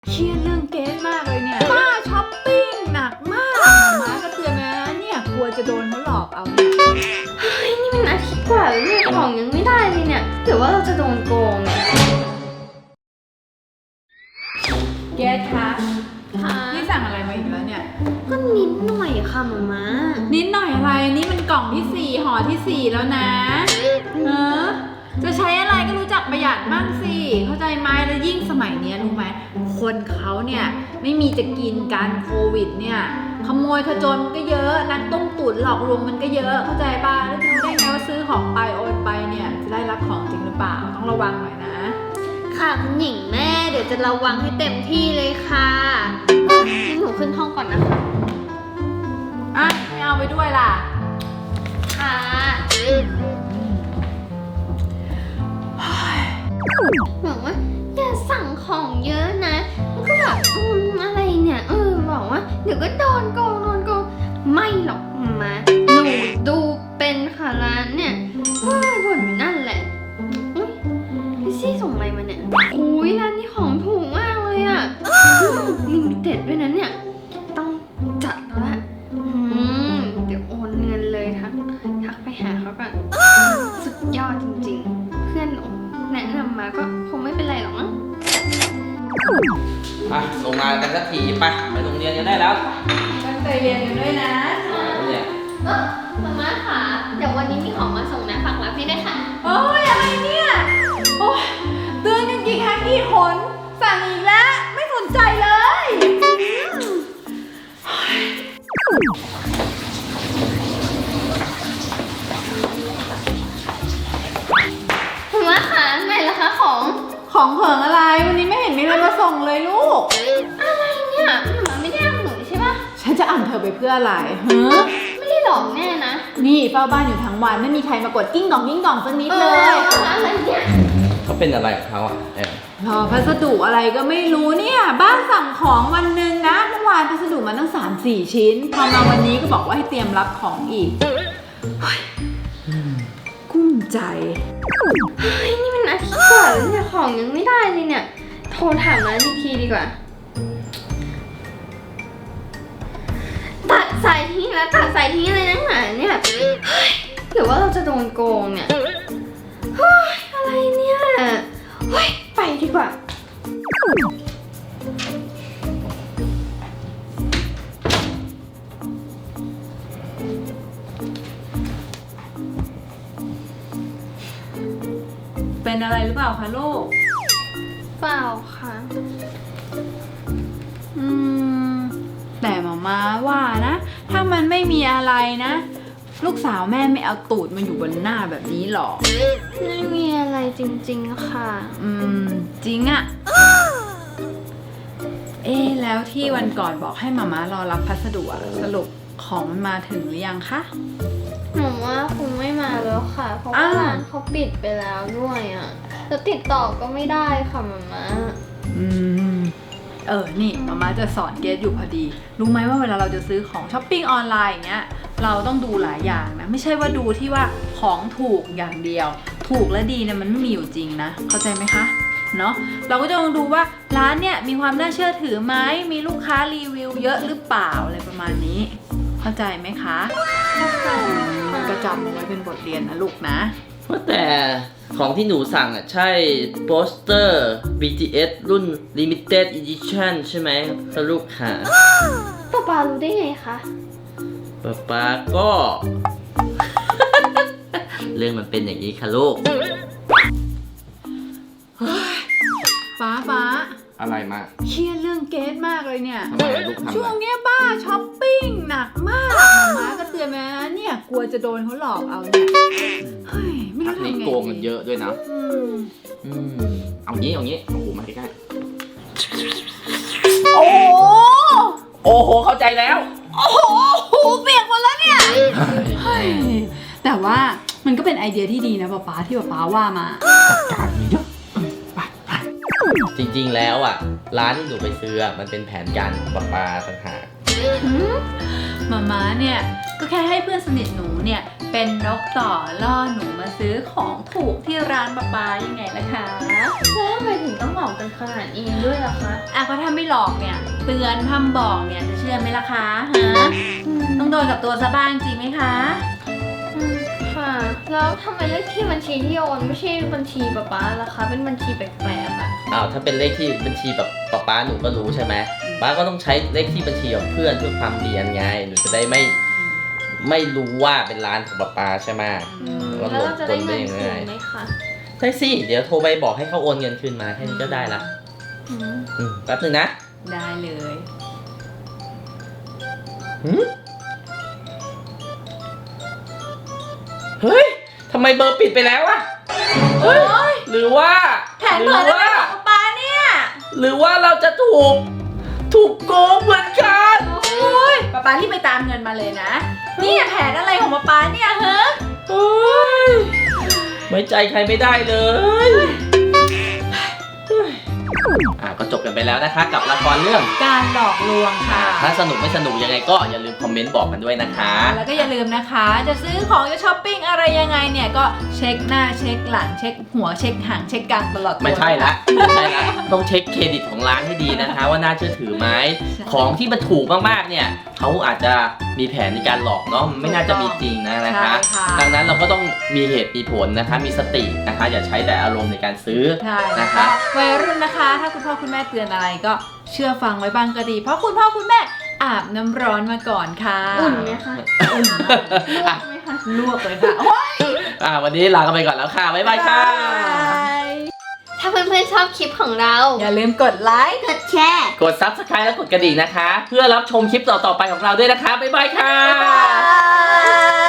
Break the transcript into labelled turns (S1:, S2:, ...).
S1: เครียดเรื่องเกสมากเลยเนี่ยป้าช้อปปิ้งหนักมากหมาก็เตือนนะเนี่ยกลัวจะโดนเขาหลอกเอาเนี่ย
S2: เฮ้ยนี่มันอาทิตย์กว่าแล้วเนี่ยของยังไม่ได้เลยเนี่ยหรือว่าเราจะโดนโกงเนี่ย
S1: เกสคะ
S2: ค่ะ
S1: นี่สั่งอะไรมาอีกแล้วเนี่ย
S2: ก็นิดหน่อยค่ะหมา
S1: นิดหน่อยอะไรนี่มันกล่องที่4ห่อที่4แล้วนะจะใช้อะไรก็รู้จักประหยัดบ้างสิเข้าใจไหมแล้วยิ่งสมัยนี้รู้ไหมคนเขาเนี่ยไม่มีจะกินการโควิดเนี่ยขโมยขจรมันก็เยอะนักต้มตุ๋นหลอกลวงมันก็เยอะเข้าใจป่ะแล้วจะรู้ได้ไงว่าซื้อของไปโอนไปเนี่ยจะได้รับของจริงหรือเปล่าต้องระวังหน่อยนะ
S2: ค่ะคุณหญิงแม่เดี๋ยวจะระวังให้เต็มที่เลยค่ะงั้นหนูขึ้นห้องก่อนนะคะ
S1: อ่ะไม่เอาไปด้วยล่ะ
S2: ค่ะบอกว่าอย่าสั่งของเยอะนะมันก็แบบอะไรเนี่ยบอกว่าเดี๋ยวก็โดนโกงไม่หรอกมาหนูดูเป็นค่ะร้านเนี่ยบ่นอยู่นั่นแหละพี่ซี่ส่งอะไรมาเนี่ยอุ้ยร้านนี้ของถูกมากเลยอ่ะลิมิเต็ดด้วยนะเนี่ยต้องจัดแล้วละเดี๋ยวโอนเงินเลยทักไปหาเขาก่อนสุดยอดจริงๆเพื่อนแนะนำมาก็คงไม่เป็นไรหรอกมั้ง
S3: ลงมากันสักทีไปโรงเรียนกันได้แล้ว
S1: ตั้งใจเรียนกันด้วยนะ
S3: เนี่ย
S2: มาม่าค่ะเดี๋ยววันนี้มีของมาส่งนะฝากรับให้ด้วยค่ะ
S1: โอ้ยอะไรเนี่ยโอ้ยเตือนกันกี่ครั้งกี่หนสั่งอีกแล้วไม่สนใจเลย
S2: มาม่าค่ะไหนล่ะคะของ
S1: ของเผิงอะไรวันนี้ไม่เห็นมีอะไรมาส่งเลยลูก
S2: อะไรเนี่ยมาม่าไม่ได้เอาหนูใช่ปะ
S1: ฉันจะอ่านเธอไปเพื่ออะไรเฮ้อ
S2: ไม่ได้หลอกแน่นะ
S1: นี่เฝ้าบ้านอยู่ทั้งวันไม่มีใครมากดกิ้งกล่องสักนิดเลย
S2: อะไรเนี่ย
S3: เขาเป็นอะไรของเขาอ่ะ
S1: รอพัสดุอะไรก็ไม่รู้เนี่ยบ้านสั่งของวันหนึ่งนะเมื่อวานพัสดุมาตั้ง 3-4 ชิ้นพอมาวันนี้ก็บอกว่าให้เตรียมรับของอีกเฮ้ยกุ้มใจ
S2: เฮ้ยนี่มันอาทิตย์กว่าแล้วเนี่ยของยังไม่ได้เลยเนี่ยโทรถามร้านอีกทีดีกว่าตัดสายทิ้งแล้วตัดสายทิ้งอะไรนักหนาเนี่ยเฮ้ยหรือว่าเราจะโดนโกงเนี่ยเฮ้ยอะไรเนี่ยเฮ้ยไปดีกว่า
S1: เป็นอะไรหรือเปล่าคะลูก
S2: เปล่าค่ะ
S1: แต่หมาว่านะ ถ้ามันไม่มีอะไรนะ ลูกสาวแม่ไม่เอาตูดมาอยู่บนหน้าแบบนี้หรอก
S2: ไม่มีอะไรจริงๆค่ะ
S1: จริงอะแล้วที่วันก่อนบอกให้หมารอรับพัสดุอะสรุปของมันมาถึงหรือยังคะ
S2: หนูว่าคงไม่มาแล้วค่ะ เพราะว่าร้านเขาปิดไปแล้วด้วยอ่ะแล้วติดต่อก็ไม่ได้ค่ะมาม่า
S1: นี่หมาจะสอนเกสอยู่พอดี รู้ไหมว่าเวลาเราจะซื้อของช้อปปิ้งออนไลน์อย่างเงี้ย เราต้องดูหลายอย่างนะ ไม่ใช่ว่าดูที่ว่าของถูกอย่างเดียว ถูกและดีเนี่ยมันไม่มีอยู่จริงนะ เข้าใจไหมคะ เนาะ เราก็จะต้องดูว่าร้านเนี่ยมีความน่าเชื่อถือไหม มีลูกค้ารีวิวเยอะหรือเปล่าอะไรประมาณนี้ เข้าใจไหมคะก็จำเอาไว้เป็นบทเรียนนะลูกนะ
S3: ว่าแต่ของที่หนูสั่งอ่ะใช่โปสเตอร์ BTS รุ่น Limited Edition ใช่ไหมคะลูกค่ะ
S2: ป๊ารู้ได้ไงคะ
S3: ป๊าก็ เรื่องมันเป็นอย่างนี้ค่ะลูก
S1: ฟ้า
S3: อะไรมา
S1: เครียดเรื่องเกสมากเลยเนี่ย
S3: ทำไมลูกทำ
S1: ช่วง
S3: อะไร
S1: เนี้ยบ้าช้อปปิ้งหนักมากหมาก็เตือนมานะเนี่ยกลัวจะโดนเขาหลอกเอาเนี่ยเฮ้ยไม่
S3: พั
S1: รู้
S3: ก
S1: ทำ
S3: นี้
S1: ไง
S3: โกงกันเยอะด้วยนะ เอางี้โอ้โหมาใกล้ๆ
S1: โอ้โห
S3: โอ้โหเข้าใจแล้ว
S1: โอ้โหหูเปียกหมดแล้วเนี่ยเฮ้ยแต่ว่ามันก็เป็นไอเดียที่ดีนะป๊าที่ป๊าว่ามา
S3: การมีเยอะจริงๆแล้วอ่ะ ร้านที่หนูไปซื้ออ่ะมันเป็นแผนการของป๊าต่างหาก
S1: หมาเนี่ยก็แค่ให้เพื่อนสนิทหนูเนี่ยเป็นนกต่อล่อหนูมาซื้อของถูกที่ร้านป๊ายังไงล่ะคะ
S2: แล้วทำไมถึงต้องหลอกกันขนาดนี้ด้วยล่ะคะ
S1: อ่ะเพราะถ้าไม่หลอกเนี่ยเตือนพร่ำบอกเนี่ยจะเชื่อไหมล่ะคะฮะต้องโดนกับตัวซะบ้างจริงไหมคะ
S2: ค่ะ แล้วทำไมเลขที่บัญชีที่โอนไม่ใช่บัญชีป๊าล่ะคะ เป็นบัญชีแปลกๆอะ
S3: อ้าวถ้าเป็นเลขที่บัญชีแบบป๊าหนูก็รู้ใช่ไหมป๊าก็ต้องใช้เลขที่บัญชีของเพื่อนเพื่อความเนียนไงหนูจะได้ไม่รู้ว่าเป็นร้านของป๊าใช่ไหม
S2: แล้วเราจะได้เงินคืนไหมคะ
S3: ได้สิเดี๋ยวโทรไปบอกให้เขาโอนเงินคืนมาแค่นี้ก็ได้ละ
S2: อืม
S3: แป๊บนึงนะ
S1: ได้เลย
S3: เฮ้ยทำไมเบอร์ปิดไปแล้วอะเฮ้ยหรือว่า
S1: แผนเปิดอะไรของป๊าเนี่ย
S3: หรือว่าเราจะถูกโกงเหมือนกัน
S1: โอ้ยป๊ารีบไปตามเงินมาเลยนะนี่แผนอะไรของป๊าเนี่ยเฮ้ย
S3: เฮ้ยไว้ใจใครไม่ได้เลยก็จบกันไปแล้วนะคะกับละครเรื่อง
S1: การหลอกลวงค่ะ
S3: ถ้าสนุกไม่สนุกยังไงก็อย่าลืมคอมเมนต์บอกกันด้วยนะคะ
S1: แล้วก็อย่าลืมนะคะ จะซื้อของจะช้อปปิ้งอะไรยังไงเนี่ยก็เช็คหน้าเช็คหลังเช็คหัวเช็คหางเช็คกลางตลอดตัว
S3: ไม่ใช่ละต้องเช็คเครดิตของร้านให้ดีนะคะ ว่าน่าเชื่อถือไหมของที่มันถูกมากๆเนี่ยเขาอาจจะมีแผนในการหลอกเนาะไม่น่าจะมีจริงนะคะ ดังนั้นเราก็ต้องมีเหตุมีผลนะคะ มีสตินะคะ อย่าใช้แต่อารมณ์ในการซื้อ
S1: ใช่
S3: นะคะ
S1: วัยรุ่นนะคะ ถ้าคุณพ่อคุณแม่เตือนอะไรก็เชื่อฟังไว้บ้างก็ดี เพราะคุณพ่อคุณแม่อาบน้ำร้อนมาก่อนค่ะ
S2: อุ่นไหมคะ
S1: อุ่นมาก
S2: ลวกไหมคะ
S1: ลวกเลยค่ะโอ๊ย
S3: วันนี้ลากันไปก่อนแล้วค่ะ บ๊ายบายค่ะ
S2: ถ้าเพื่อนๆชอบคลิปของเรา
S1: อย่าลืมกดไลค์
S2: กดแชร์
S3: กด Subscribe และกดกระดิ่งนะคะ เพื่อรับชมคลิปต่อๆไปของเราด้วยนะคะ บ๊ายบายค่ะ
S1: บ๊ายบาย